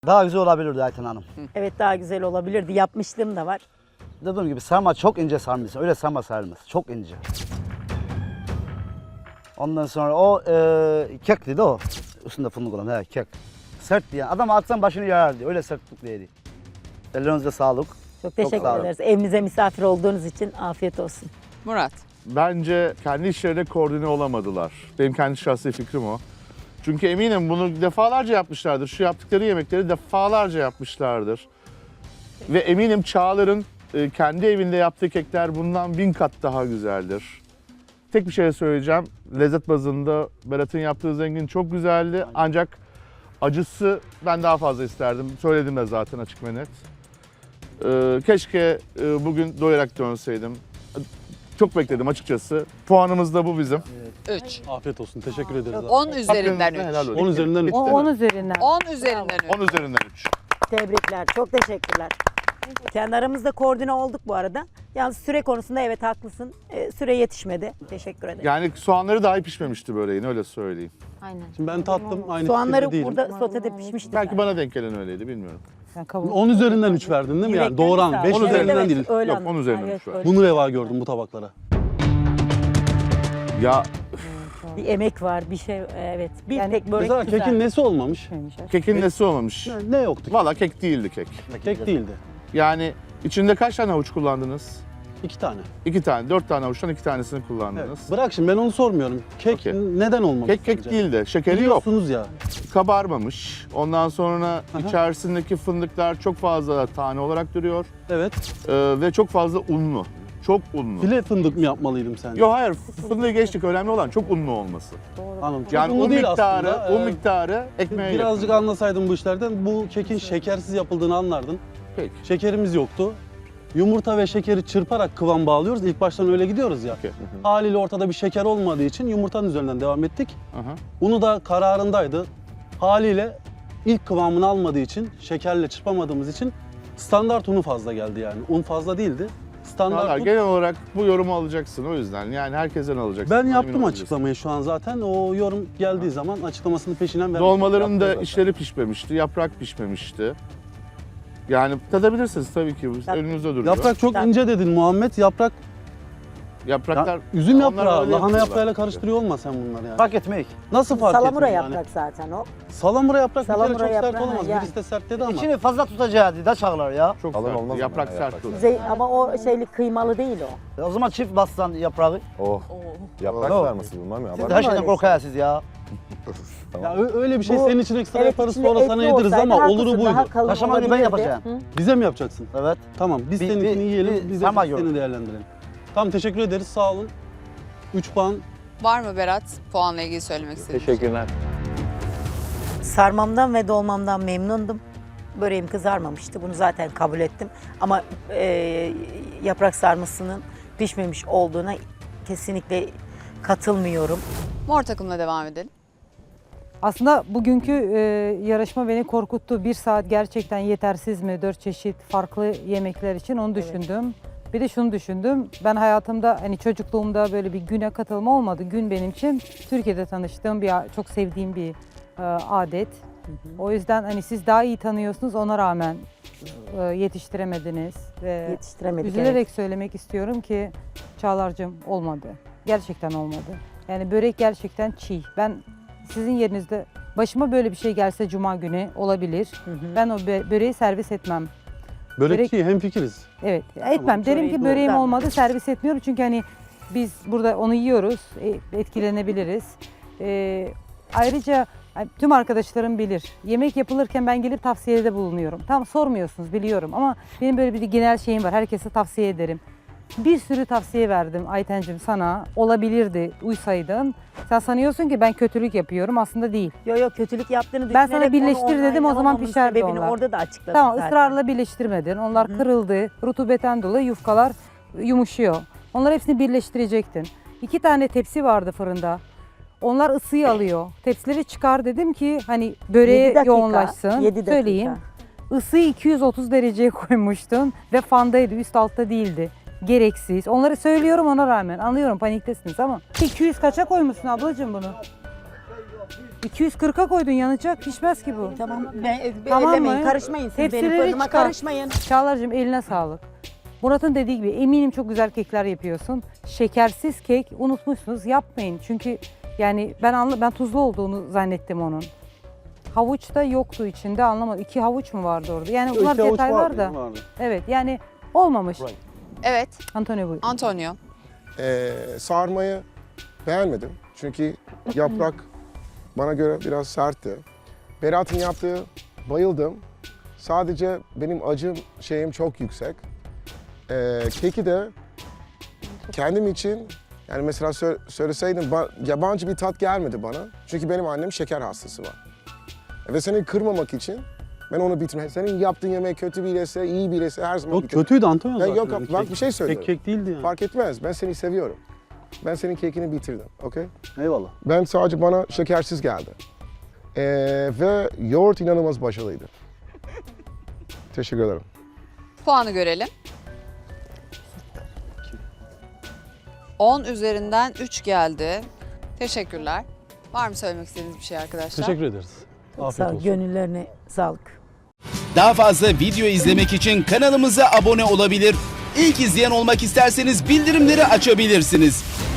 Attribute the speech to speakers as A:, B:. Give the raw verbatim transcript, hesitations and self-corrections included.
A: Daha güzel olabilirdi Ayten Hanım.
B: Evet, daha güzel olabilirdi. Yapmışlığım da var.
A: Dediğim gibi sarma çok ince sarmışsın. Öyle sarma sarılmaz. Çok ince. Ondan sonra o e, kek dedi o. Üstünde fındık olan he, kek. Sert diye. Adam atsan başını yarar diye. Öyle sertlikliydi. Ellerinize sağlık.
B: Çok teşekkür
A: sağ olun.
B: ederiz. Evimize misafir olduğunuz için afiyet olsun.
C: Murat.
D: Bence kendi işlerine koordine olamadılar. Benim kendi şahsi fikrim o. Çünkü eminim bunu defalarca yapmışlardır. Şu yaptıkları yemekleri defalarca yapmışlardır. Ve eminim Çağlar'ın e, kendi evinde yaptığı kekler bundan bin kat daha güzeldir. Tek bir şey söyleyeceğim. Lezzet bazında Berat'ın yaptığı zengin çok güzeldi. Ancak acısı ben daha fazla isterdim. Söyledim de zaten açık ve net. Ee, keşke e, bugün doyarak dönseydim. Çok bekledim açıkçası. Puanımız da bu bizim.
C: üç.
E: Afiyet olsun. Teşekkür ederiz. abi.
C: on üzerinden
D: Hakkınızda helal
C: üç.
D: olsun.
E: on üzerinden üç.
B: O, on üzerinden.
C: on üzerinden üç.
D: on üzerinden üç.
B: Tebrikler. Çok teşekkürler. Kendi aramızda koordine olduk bu arada. Yalnız süre konusunda evet haklısın. Ee, süre yetişmedi. Teşekkür ederim.
D: Yani soğanları dahi pişmemişti böreğin, öyle söyleyeyim.
F: Aynen.
E: Şimdi ben tattım. Aynı
B: Soğanları
E: fikirde değilim.
B: burada sotede pişmişti.
D: Belki bana denk gelen öyleydi, bilmiyorum.
E: on üzerinden üç verdin değil mi? Yani
B: Yürekten
E: doğru
B: sağ
E: an.
B: ol.
E: beş
B: Evet,
E: üzerinden
B: evet,
E: değil.
B: öyle
D: Yok,
B: anladım.
D: on üzerinden
B: Evet,
D: üç var.
B: öyle.
E: Bunu reva gördüm bu tabaklara.
D: Ya
B: Bir emek var, bir şey evet. Bir
F: Yani
B: tek börek
E: Mesela
B: güzel.
E: kekin nesi olmamış?
D: kekin nesi olmamış?
E: Ne, ne yoktu?
D: Valla kek değildi kek.
E: Kek değildi.
D: Yani içinde kaç tane havuç kullandınız?
E: İki tane.
D: İki tane, dört tane havuçtan iki tanesini
E: Evet.
D: kullandınız.
E: Bırak şimdi ben onu sormuyorum. Kek
D: Okey.
E: neden olmamış?
D: Kek kek
E: sence?
D: değildi, şekeri yok.
E: Biliyorsunuz ya.
D: Kabarmamış. Ondan sonra
E: Aha.
D: içerisindeki fındıklar çok fazla tane olarak duruyor.
E: Evet.
D: Ee, ve çok fazla unlu. Çok unlu.
E: File fındık mı yapmalıydım sence?
D: Yok hayır, fındığı geçtik. Önemli olan çok unlu olması.
E: Anladım. Çok
D: Yani
E: unlu
D: un
E: değil
D: miktarı,
E: aslında.
D: un
E: Ee,
D: miktarı ekmeğe
E: Birazcık
D: yakın.
E: anlasaydın bu işlerden bu kekin şekersiz yapıldığını anlardın.
D: Peki.
E: Şekerimiz yoktu. Yumurta ve şekeri çırparak kıvam bağlıyoruz. İlk baştan öyle gidiyoruz ya.
D: Okey.
E: Haliyle ortada bir şeker olmadığı için yumurtanın üzerinden devam ettik.
D: Aha.
E: Unu da kararındaydı. Haliyle ilk kıvamını almadığı için, şekerle çırpamadığımız için standart unu fazla geldi yani. Un fazla değildi. Standart
D: Vallahi
E: un.
D: genel olarak bu yorumu alacaksın o yüzden. Yani herkesten alacaksın.
E: Ben
D: Emin
E: yaptım
D: olacaksın.
E: açıklamayı şu an zaten. O yorum geldiği zaman açıklamasını peşinen vermek.
D: Dolmaların da
E: yaptım zaten.
D: içleri pişmemişti, yaprak pişmemişti. Yani tadabilirsiniz tabii ki.
B: Yap-
D: Önünüzde duruyor.
E: Yaprak çok
B: Yap-
E: ince dedin Muhammed. Yaprak,
D: Yapraklar...
E: ya, üzüm
D: Onlar
E: yaprağı,
D: öyle
E: lahana
D: yapıyorlar.
E: yaprağıyla karıştırıyor olma sen bunları yani.
A: Fark etmek.
E: Nasıl fark
B: Salamura
E: ettin
B: yaprak zaten o.
E: Yani? Salamura yaprak bir
B: Salamura
E: kere çok sert
B: yaprağı,
E: olamaz.
B: yani.
E: Birisi de sert dedi ama.
A: İçini fazla tutacağı da çağlar ya.
D: Çok
G: Alın
D: sert.
G: olmaz mı
D: Yaprak
G: ya,
D: sert
G: yaprak?
D: olur.
B: Zey- ama o şeyli kıymalı değil o.
A: E o zaman çift bassan yaprağı.
G: Oh. Yaprak
A: Oh.
G: sarması bilmem ya.
A: Siz de
G: Bak-
A: her şeyden korkarsınız ya.
E: Ya ö- öyle bir şey
B: Bu-
E: senin için ekstra
B: Evet,
E: yaparız
B: içinde
E: sonra
B: etli
E: sana yediririz
B: olsaydı
E: ama oluru
B: haklısın, daha
E: buydu.
B: kalın
A: Kaşamayı ben
B: olabilirdi.
A: yapacağım.
B: Hı?
E: Bize mi yapacaksın?
A: Evet.
E: Tamam biz
A: Bir-
E: seninkini
A: bir-
E: yiyelim,
A: bir
E: biz de
A: sama
E: seni
A: yorum.
E: değerlendirelim. Tamam teşekkür ederiz sağ olun. üç puan.
C: Var mı Berat puanla ilgili söylemek istediğin?
G: Teşekkürler.
B: Sarmamdan ve dolmamdan memnundum. Böreğim kızarmamıştı. Bunu zaten kabul ettim. Ama e, yaprak sarmasının pişmemiş olduğuna kesinlikle katılmıyorum.
C: Mor takımla devam edelim.
F: Aslında bugünkü e, yarışma beni korkuttu. Bir saat gerçekten yetersiz mi? Dört çeşit farklı yemekler için onu düşündüm. Bir de şunu düşündüm. Ben hayatımda hani çocukluğumda böyle bir güne katılma olmadı. Gün benim için Türkiye'de tanıştığım bir çok sevdiğim bir e, adet. O yüzden hani siz daha iyi tanıyorsunuz ona rağmen e, yetiştiremediniz. Ve
B: Yetiştiremedik.
F: üzülerek söylemek istiyorum ki Çağlar'cığım olmadı. Gerçekten olmadı. Yani börek gerçekten çiğ. Ben sizin yerinizde başıma böyle bir şey gelse cuma günü olabilir.
B: Evet.
F: Ben o bö- böreği servis etmem.
E: Börekçi hemfikiriz.
F: Evet, etmem. Derim
B: böreği
F: ki böreğim
B: doğru.
F: olmadı, servis etmiyorum. Çünkü hani biz burada onu yiyoruz, e, etkilenebiliriz. Ee, ayrıca hani tüm arkadaşlarım bilir. Yemek yapılırken ben gelip tavsiyede bulunuyorum. Tam sormuyorsunuz biliyorum ama benim böyle bir genel şeyim var. Herkese tavsiye ederim. Bir sürü tavsiye verdim Aytencim sana. Olabilirdi, uysaydın. Sen sanıyorsun ki ben kötülük yapıyorum. Aslında değil.
B: Yok yok kötülük yaptığını
F: Ben
B: düşünerek
F: sana birleştir
B: onu
F: dedim, o zaman
B: onaylamamın
F: pişerdi
B: sebebini
F: onlar.
B: orada da açıkladım
F: Tamam,
B: zaten.
F: ısrarla birleştirmedin. Onlar kırıldı. Rutubetten dolayı yufkalar yumuşuyor. Onları hepsini birleştirecektin. İki tane tepsi vardı fırında. Onlar ısıyı alıyor. Tepsileri çıkar dedim ki hani böreğe
B: Yedi dakika,
F: yoğunlaşsın.
B: yedi dakika.
F: Söyleyeyim. Isıyı iki yüz otuz dereceye koymuştun ve fandaydı, üst altta değildi. Gereksiz. Onları söylüyorum ona rağmen. Anlıyorum paniktesiniz ama. iki yüz kaça koymuşsun ablacığım bunu? iki yüz kırka koydun, yanacak, pişmez ki bu.
B: Tamam, be,
F: Tamam
B: ellemeyin,
F: mı?
B: karışmayın siz benim
F: Tepsileri
B: fırınıma
F: çıkar.
B: karışmayın.
F: Çağlar'cığım eline sağlık. Murat'ın dediği gibi eminim çok güzel kekler yapıyorsun. Şekersiz kek unutmuşsunuz, yapmayın. Çünkü yani ben anla, ben tuzlu olduğunu zannettim onun. Havuç da yoktu içinde, anlamadım. İki havuç mu vardı orada? Yani bunlar
E: İki avuç
F: detaylar
E: vardı,
F: da.
E: vardı.
F: Evet yani olmamış.
C: Evet,
F: Antonio buyur.
C: Antonio.
G: Ee, sarmayı beğenmedim. Çünkü yaprak bana göre biraz sertti. Berat'ın yaptığı bayıldım. Sadece benim acım şeyim çok yüksek. Ee, keki de kendim için yani mesela sö- söyleseydim ba- yabancı bir tat gelmedi bana. Çünkü benim annem şeker hastası var. Ve seni kırmamak için ben onu bitirmem. Senin yaptığın yemek kötü biriyse, iyi biriyse her zaman
E: Yok
G: bitirmem.
E: kötüydü Antonio
G: Ya
E: zaten.
G: yok,
E: Yani
G: bak
E: kek-
G: bir şey söylüyorum.
E: Kek kek değildi yani.
G: Fark etmez. Ben seni seviyorum. Ben senin kekini bitirdim. Okey?
E: Eyvallah.
G: Ben sadece bana şekersiz geldi. Ee, ve yoğurt inanılmaz başarılıydı. Teşekkür ederim.
C: Puanı görelim. on üzerinden üç geldi. Teşekkürler. Var mı söylemek istediğiniz bir şey arkadaşlar?
E: Teşekkür ederiz.
B: Sağ
E: Afiyet
B: ol,
E: olsun.
B: gönüllerine sağlık.
H: Daha fazla video izlemek için kanalımıza abone olabilir. İlk izleyen olmak isterseniz bildirimleri açabilirsiniz.